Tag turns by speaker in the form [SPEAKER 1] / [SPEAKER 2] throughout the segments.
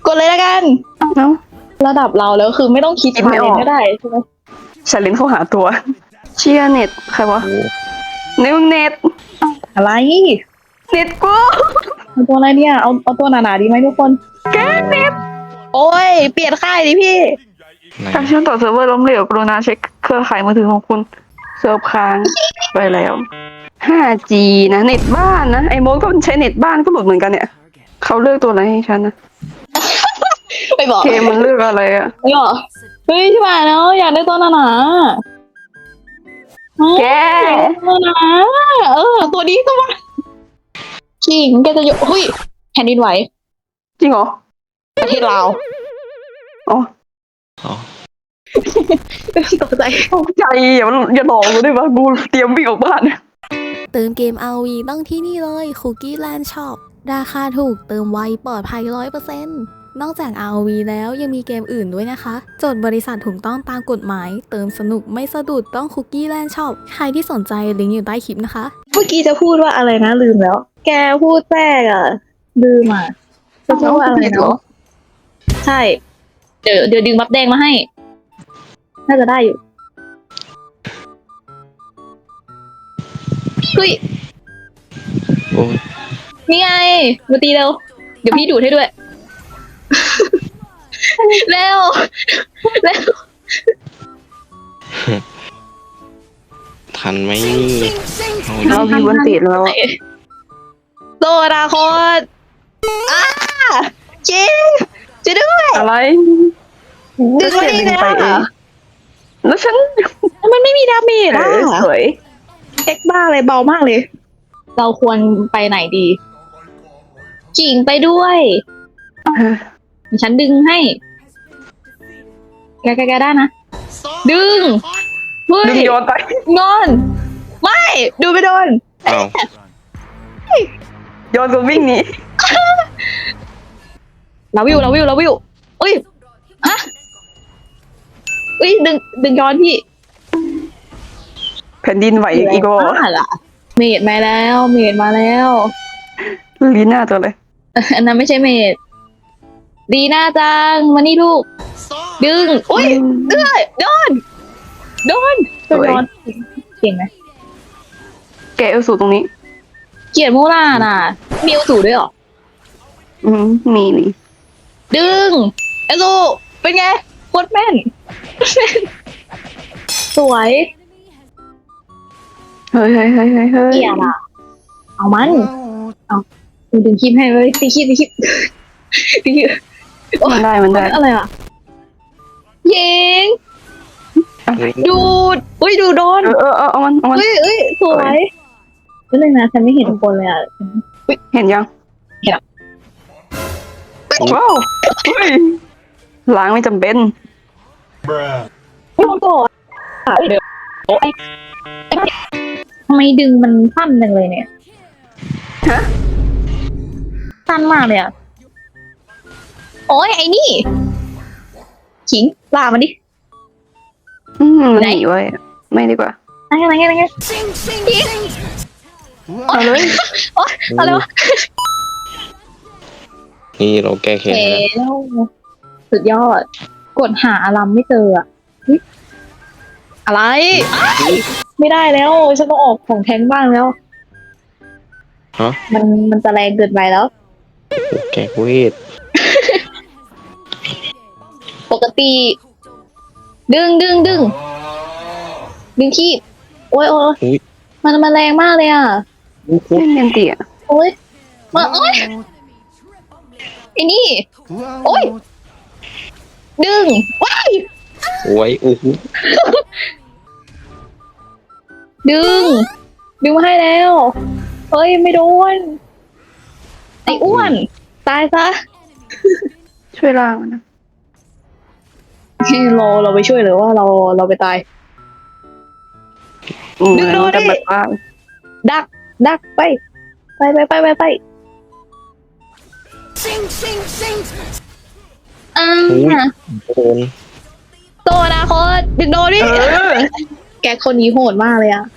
[SPEAKER 1] กดเลยละกันเนาะระดับเราแล้วคือไม่ต้องคิด
[SPEAKER 2] คิดไม่ออก
[SPEAKER 1] ก็ได้ใช่ไหม
[SPEAKER 2] ชาเลนเข้าหาตัว เชียร์เน็ตใครวะในมึงเน็ต
[SPEAKER 1] อะไร
[SPEAKER 2] เน็ตกู
[SPEAKER 1] เอาตัวอะไรเนี่ยเอาตัวหนาๆดีไหมทุกคน
[SPEAKER 2] แกเน็ต
[SPEAKER 1] โอ้ยเปลี่ยนค่ายดิพี่
[SPEAKER 2] การเชื่อมต่อเซิร์ฟเวอร์ล้มเหลวกรุณาเช็คเครือข่ายมือถือของคุณเซิร์ฟค้างไปแล้ว 5G นะเน็ตบ้านนะไอ้โมดก็ใช้เน็ตบ้านก็หลุดเหมือนกันเนี่ยเขาเลือกตัวอะไรให้ฉันนะ
[SPEAKER 1] ไปบอก
[SPEAKER 2] เกมมันเลือกอะไรอะ
[SPEAKER 1] ไปบอกเฮ้ยที่มาเนาะอยากได้ตัวหนาๆ
[SPEAKER 2] แก
[SPEAKER 1] ตัวหนาตัวนี้ตัวมาขิงแกจะอยู่เฮ้ยแผ่นดินไหว
[SPEAKER 2] จริงเหรอ
[SPEAKER 1] ประเทศลาว
[SPEAKER 2] อ๋อ
[SPEAKER 1] ตกใจ
[SPEAKER 2] ตกใจอย่าหลอกกูได้ปะกูเตรียมวิ่งออกบ้าน
[SPEAKER 3] เติมเกม RV ต้องที่นี่เลย Cookie Land Shop ราคาถูกเติมไวปลอดภัย 100%นอกจาก RV แล้วยังมีเกมอื่นด้วยนะคะ จดบริษัทถูกต้องตามกฎหมาย เติมสนุกไม่สะดุดต้อง Cookie Land Shop ใครที่สนใจลิงก์อยู่ใต้คลิปนะคะ
[SPEAKER 1] เมื่อกี้จะพูดว่าอะไรนะลืมแล้ว แกพูดแทรกอ่ะลืมอ่ะจะพูดว่าอะไรเนาะใช่ เดี๋ยวดึงบัฟแดงมาให้ น่าจะได้อยู่เฮ้ย
[SPEAKER 4] โอ้ย
[SPEAKER 1] นี่ไงมาตีเร็ว เดี๋ยวพี่ดูดให้ด้วย เร็ว เร็ว
[SPEAKER 4] ทันไหมนี่เอา
[SPEAKER 2] เรามีวันติดแล้วอะ
[SPEAKER 1] โซดาโคตอ้าจริงจะด้วย
[SPEAKER 2] อะไร
[SPEAKER 1] ดึงมาดี
[SPEAKER 2] ดึ
[SPEAKER 1] นะ
[SPEAKER 2] ไปเองแล้วฉัน
[SPEAKER 1] มันไม่มีดาเมจอ่ะ
[SPEAKER 2] สวย
[SPEAKER 1] เอ็กบ้าเลยเบามากเลย เราควรไปไหนดีกิ่งไปด้วย ฉันดึงให้ แกได้นะ ดึง เฮ้ย
[SPEAKER 2] ดึงโยนไป
[SPEAKER 1] งอน ไม่ ดูไปโดน
[SPEAKER 4] เอา
[SPEAKER 2] โยนก็วิ่งหนี
[SPEAKER 1] เราวิวอุ้ยฮะอุ้ยดึงย้อนพี่
[SPEAKER 2] แผ่นดินไหวอีกแล้ว
[SPEAKER 1] บ้าล่ะเมดมาแล้วเมดมาแล้ว
[SPEAKER 2] ลีน่าตัวเลย
[SPEAKER 1] อันนั้นไม่ใช่เมดดีน่าจังมานี่ลูก ดึง อุ้ยโดนโดนเก่งไหม
[SPEAKER 2] แกเอลสูตรงนี้
[SPEAKER 1] เกลียดมูล่าน่ะมีอุสูด้วยเหรอ
[SPEAKER 2] มีนี่
[SPEAKER 1] ดึงเอซูเป็นไงโคตรแม่น สวย
[SPEAKER 2] เฮ้ย
[SPEAKER 1] เกลียดอ่ะ เอามันเอาดึงคลิปให้เลยตีคลิปตีคลิป
[SPEAKER 2] มันได้
[SPEAKER 1] อะไรอ่ะยิง
[SPEAKER 4] เฮ้ย
[SPEAKER 1] ดูดอุ้ยดูโดน
[SPEAKER 2] เอามัน
[SPEAKER 1] เอ้ยสวยนิดนึงนะฉันไม่เห็นคนเลยอ่ะ
[SPEAKER 2] เห็นยัง
[SPEAKER 1] เห็นแล้ว
[SPEAKER 2] ว้าวเฮ้ยล้างไม่จำเป็น
[SPEAKER 1] ไม่โดนก่อนเดี๋ยวทำไมดึงมันสั้นจังเลยเนี่ย
[SPEAKER 2] ฮะ
[SPEAKER 1] สั้นมากเลยอ่ะโอ้ยไอ้นี่ขิงลามันดิ
[SPEAKER 2] มันหนีไว้ไม่ดีกว่า
[SPEAKER 1] อะไรขิง
[SPEAKER 2] เอาเลย
[SPEAKER 1] โอ๊ยอะไรวะ
[SPEAKER 4] นี่เราแก้แค้น
[SPEAKER 1] เอ๋
[SPEAKER 4] แล้ว
[SPEAKER 1] สุดยอด กดหาอารมไม่เจออะเฮ้ยอะไรอ้ายไม่ได้แล้ว ฉันต้องออกของแทงบ้างแล้ว
[SPEAKER 4] ฮะ
[SPEAKER 1] มันจะแรงเกินไปแล้ว
[SPEAKER 4] แก้เวท
[SPEAKER 1] ปกติ ดึงขี้โอ้ย
[SPEAKER 4] อุ้ย
[SPEAKER 1] มันแรงมากเลยอ่ะ
[SPEAKER 2] เล่นเมนตีอ่ะ
[SPEAKER 1] โอ้ยโอ้ยไอ้นี่ โอ้ย ดึงว้าย
[SPEAKER 4] โอ้ยโอ้โห
[SPEAKER 1] ดึงมาให้แล้ว เฮ้ย ไม่โดน ไอ้อ้วน ตายซะ
[SPEAKER 2] ช่วยล้างมันนะ
[SPEAKER 1] เราไปช่วยหรือว่าเราไปตาย ดึงโดนดิ
[SPEAKER 2] แต่แบบว่า
[SPEAKER 1] ดักไปอ่า
[SPEAKER 4] โดน
[SPEAKER 1] โตนะโคตรดึงโดนดิแกคนนี้โหดมากเลยอ่ะ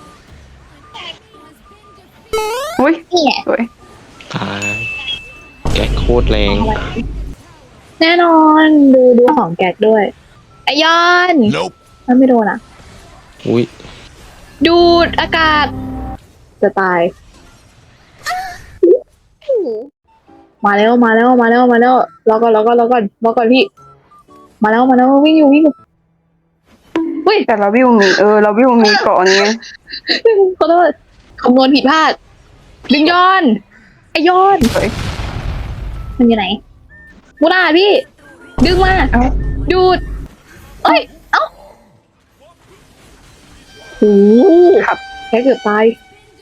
[SPEAKER 2] อุ้ย
[SPEAKER 1] นี่ไง
[SPEAKER 2] สวย
[SPEAKER 4] ตายแกก๊กโคตรแรง
[SPEAKER 1] แน่นอนดูของแก๊กด้วยไอยอนมันไม่โดนอ่ะ
[SPEAKER 4] อุ้ย
[SPEAKER 1] ดูดอากาศ จะตาย มาแล้วรอก่อนพี่ มาแล้ววิ่งอยู่เฮ้ย
[SPEAKER 2] แต่เราวิวมีเราวิวมีเกาะนี้ไง
[SPEAKER 1] ขอโทษคำนวณผิดพลาด ดึงย้อนไอยอน
[SPEAKER 2] เฮ้ย
[SPEAKER 1] มันอยู่ไหนมูนาพี่ ดึงมา
[SPEAKER 2] เอ้า
[SPEAKER 1] ดูด เอ้ย เอ้าโอ้
[SPEAKER 2] ครับ
[SPEAKER 1] แค่เกือบตาย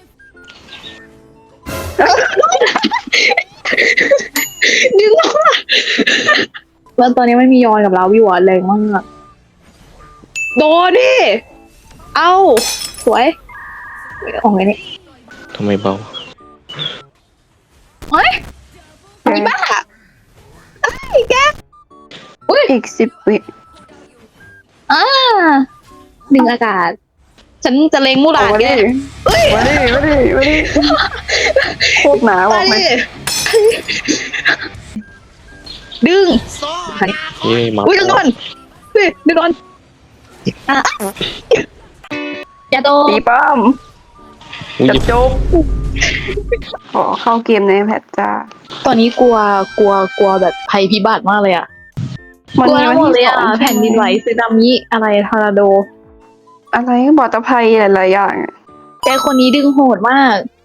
[SPEAKER 1] ดึงมาแล้วตอนนี้ไม่มียอนกับเราวิวอะแรงมากโดนดิ เอาสวยออกไงเนี่ย
[SPEAKER 4] ทำไมเบา
[SPEAKER 1] เฮ้ยอีบ้าไอ้ยแกอุ้ย
[SPEAKER 2] อีก10 วิ
[SPEAKER 1] อ่าดึงอากาศ ฉันจะเล็งมูหลา
[SPEAKER 2] เอา
[SPEAKER 1] น
[SPEAKER 2] มา
[SPEAKER 1] แก
[SPEAKER 2] ดิ
[SPEAKER 1] เอ้ย
[SPEAKER 2] มาดิโคตรหนาบอกไหม
[SPEAKER 1] มาดิดึง
[SPEAKER 4] เฮ้ยมา
[SPEAKER 1] อุ้ยดึงก่อนเฮ้ยดึงก่อนอ่ะอย่าโดน
[SPEAKER 2] ตีป้อม
[SPEAKER 4] อุ้ย
[SPEAKER 2] จับจบขอเข้าเกมในแพทจ้า
[SPEAKER 1] ตอนนี้กลัวแบบภัยพิบัติมากเลยอ่ะ
[SPEAKER 2] มัน
[SPEAKER 1] กลัว
[SPEAKER 2] มี
[SPEAKER 1] ทั้
[SPEAKER 2] วั
[SPEAKER 1] ง
[SPEAKER 2] น
[SPEAKER 1] หมด
[SPEAKER 2] ที่
[SPEAKER 1] เลย
[SPEAKER 2] ส
[SPEAKER 1] อ่ะ
[SPEAKER 2] อง
[SPEAKER 1] แผ่นดินไหวสึนามิอะไรทอร์นาโด
[SPEAKER 2] อะไรบอตภัยหลายๆอย่างอะ
[SPEAKER 1] แกคนนี้ดึงโหดมาก